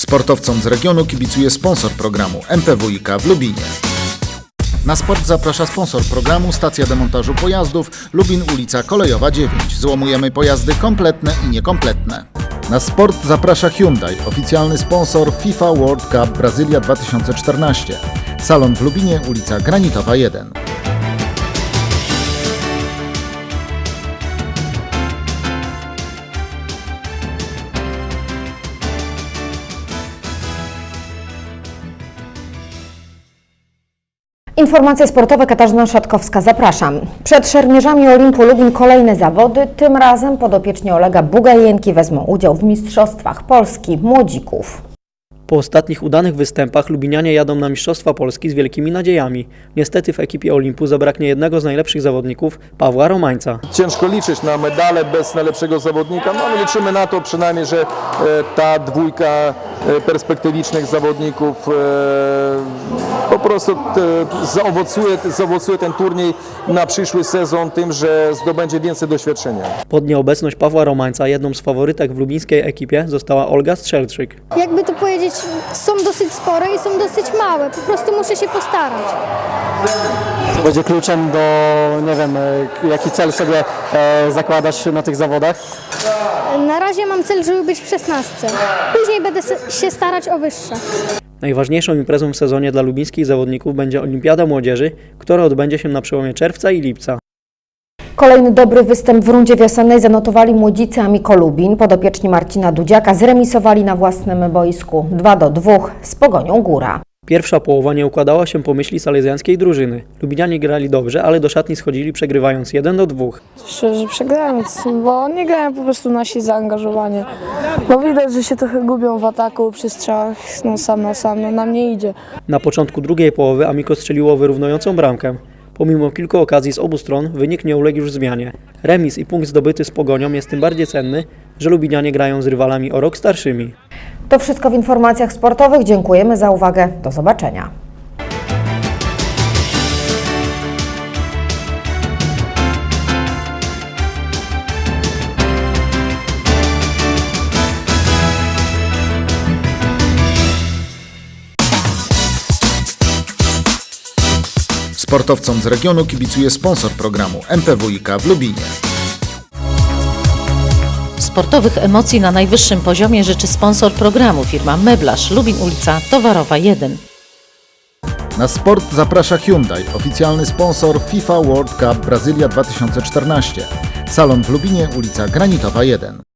Sportowcom z regionu kibicuje sponsor programu MPWiK w Lubinie. Na sport zaprasza sponsor programu stacja demontażu pojazdów Lubin ulica Kolejowa 9. Złomujemy pojazdy kompletne i niekompletne. Na sport zaprasza Hyundai, oficjalny sponsor FIFA World Cup Brazylia 2014. Salon w Lubinie, ulica Granitowa 1. Informacje sportowe, Katarzyna Szatkowska, zapraszam. Przed szermierzami Olimpu Lubin kolejne zawody, tym razem podopieczni Olega Bugajenki wezmą udział w Mistrzostwach Polski Młodzików. Po ostatnich udanych występach lubinianie jadą na Mistrzostwa Polski z wielkimi nadziejami. Niestety w ekipie Olimpu zabraknie jednego z najlepszych zawodników, Pawła Romańca. Ciężko liczyć na medale bez najlepszego zawodnika, no ale liczymy na to przynajmniej, że ta dwójka perspektywicznych zawodników po prostu zaowocuje ten turniej na przyszły sezon tym, że zdobędzie więcej doświadczenia. Pod nieobecność Pawła Romańca jedną z faworytek w lubińskiej ekipie została Olga Strzelczyk. Jakby to powiedzieć, są dosyć spore i są dosyć małe, po prostu muszę się postarać. To będzie kluczem do, nie wiem, jaki cel sobie zakładasz na tych zawodach? Na razie mam cel, żeby być w 16. Później będę się starać o wyższe. Najważniejszą imprezą w sezonie dla lubińskich zawodników będzie Olimpiada Młodzieży, która odbędzie się na przełomie czerwca i lipca. Kolejny dobry występ w rundzie wiosennej zanotowali młodzicy Amiko Lubin. Podopieczni Marcina Dudziaka zremisowali na własnym boisku 2-2 z Pogonią Góra. Pierwsza połowa nie układała się po myśli salezjańskiej drużyny. Lubinianie grali dobrze, ale do szatni schodzili przegrywając 1-2. Szczerze przegrałem, bo nie grają po prostu nasi zaangażowanie. Bo widać, że się trochę gubią w ataku, przy strzałach, sam na sam, no nam nie idzie. Na początku drugiej połowy Amiko strzeliło wyrównującą bramkę. Pomimo kilku okazji z obu stron wynik nie uległ już zmianie. Remis i punkt zdobyty z Pogonią jest tym bardziej cenny, że lubinianie grają z rywalami o rok starszymi. To wszystko w informacjach sportowych. Dziękujemy za uwagę. Do zobaczenia. Sportowcom z regionu kibicuje sponsor programu MPWiK w Lubinie. Sportowych emocji na najwyższym poziomie życzy sponsor programu, firma Meblarz, Lubin ulica Towarowa 1. Na sport zaprasza Hyundai, oficjalny sponsor FIFA World Cup Brazylia 2014. Salon w Lubinie, ulica Granitowa 1.